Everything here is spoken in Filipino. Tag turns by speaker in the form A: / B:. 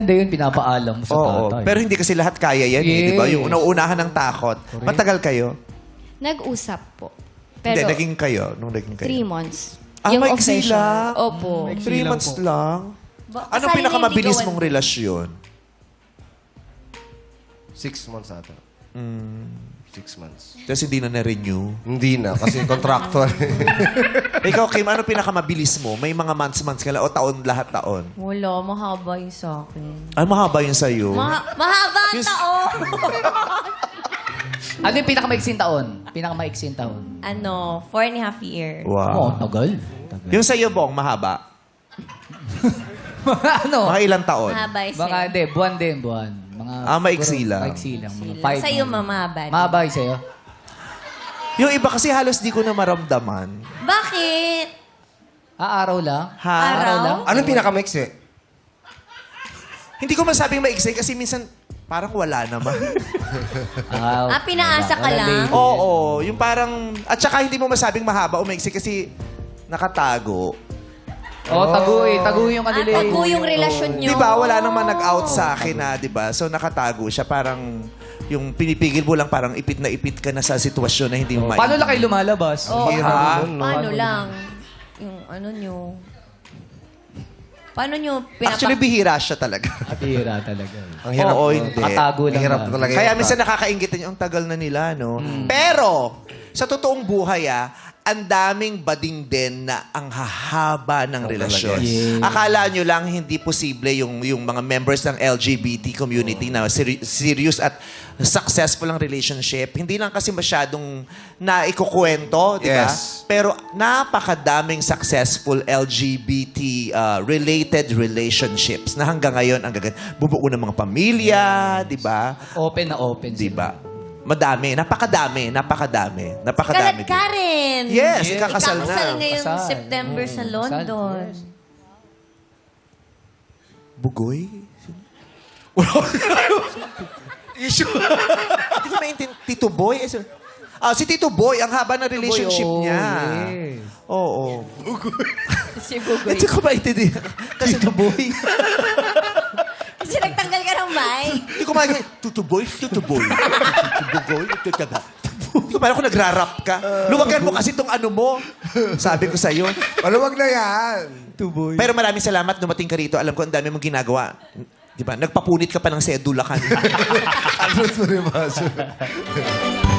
A: Hindi yun, pinapaalam mo sa
B: Oo,
A: tatay.
B: pero hindi kasi lahat kaya yan, di ba? Yung nauunahan ng takot. Matagal kayo?
C: Nag-usap po.
B: Hindi,
C: Pero
B: naging kayo. Nung naging kayo.
C: 3 months.
B: Ah,
C: Yung
B: maiksi
C: official.
B: lang?
C: Opo.
B: 3 months lang? Anong
C: Kasali na
B: pinakamabilis
C: yung
B: mong
C: ligawan.
B: relasyon?
D: 6 months ata. 6 months.
B: Tapos hindi na na-renew.
D: Hindi na, kasi contractual.
B: Ikaw, Kim, ano pinakamabilis mo? May mga months ka lang o taon, lahat taon?
C: Wala, mahaba yung sa akin.
B: Ay, mahaba yun sa'yo.
C: Mahaba ang
B: Yung-
C: taon!
A: Ano yung pinakamaiksing taon? Pinakamaiksing taon.
C: 4.5 years.
A: Oo,
B: Wow.
A: tagal.
B: Yung sa'yo, Bong, mahaba?
A: ano?
B: Mga ilang taon?
C: Mahaba yung
A: Mga,
C: sa'yo.
A: hindi, buwan din, buwan. Mga,
B: maiksi
A: siguro,
B: lang.
A: Maiksi lang. Mga
C: Sila.
A: 5
C: Sa'yo, mahaba.
A: Mahaba yung sa'yo?
B: Yung iba kasi halos di ko na maramdaman.
C: Bakit?
A: Araw lang?
B: Ha?
C: Araw?
A: lang?
D: Anong pinaka-mix
B: Hindi ko masabing maiksi kasi minsan parang wala naman.
C: Pinaasa ka lang?
B: Oo, yung parang... At saka hindi mo masabing mahaba o maiksi kasi nakatago.
A: Oo, tago eh. Tago yung kanila eh.
C: Tago yung relasyon nyo.
B: Di ba? Wala nang nag-out sa akin na, di ba? So nakatago siya. Parang yung pinipigil mo lang parang ipit na ipit ka na sa sitwasyon na hindi mo
A: Paano lang kayo lumalabas?
C: Oo.
B: Ha?
C: Paano lang? Yung ano nyo? Paano nyo
B: Actually, bihira siya talaga.
A: Katira talaga.
D: Ang hirap.
B: Oo,
D: nun.
B: hindi.
A: Katago lang.
D: Ang hirap
A: na.
D: talaga.
B: Kaya
D: yun.
B: minsan nakakaingit yung tagal na nila, no? Pero, sa totoong buhay, ang daming bading din na ang hahaba ng relasyon.
A: Yes.
B: Akala nyo lang hindi posible yung mga members ng LGBT community na serious at successful ang relationship. Hindi lang kasi masyadong naikukwento, di ba?
D: Yes.
B: Pero napakadaming successful LGBT-related relationships na hanggang ngayon ang bubuo ng mga pamilya, di ba?
A: Open na open.
B: Di
A: sila.
B: ba? Madami, napakadami
C: Kalat
B: din.
C: Karen!
B: Yes, ikakasal na.
C: Ikakasal ngayong
A: Kasal.
C: September sa London.
B: Bugoy? Issue. Hindi ko maintindihan. Tito Boy? Si Tito Boy, ang haba ng relationship
A: Boy,
B: niya.
A: yes.
B: Oo.
C: Si Bugoy.
B: Hindi ko maintindihan. Kasi Tito Boy.
C: Kasi nagtanggal ka ng mic.
B: Hindi ko maintindihan. Tito Boy? Tito Boy. Tito Boy? Tito Hindi ko parang kung nagra-rap ka. Luwagan mo kasi itong ano mo. Sabi ko sa'yo.
D: Maluwag na yan.
B: Pero maraming salamat dumating ka rito. Alam ko ang dami mong ginagawa. Di ba? Nagpapunit ka pa ng sedula kanina.
D: Ano ito,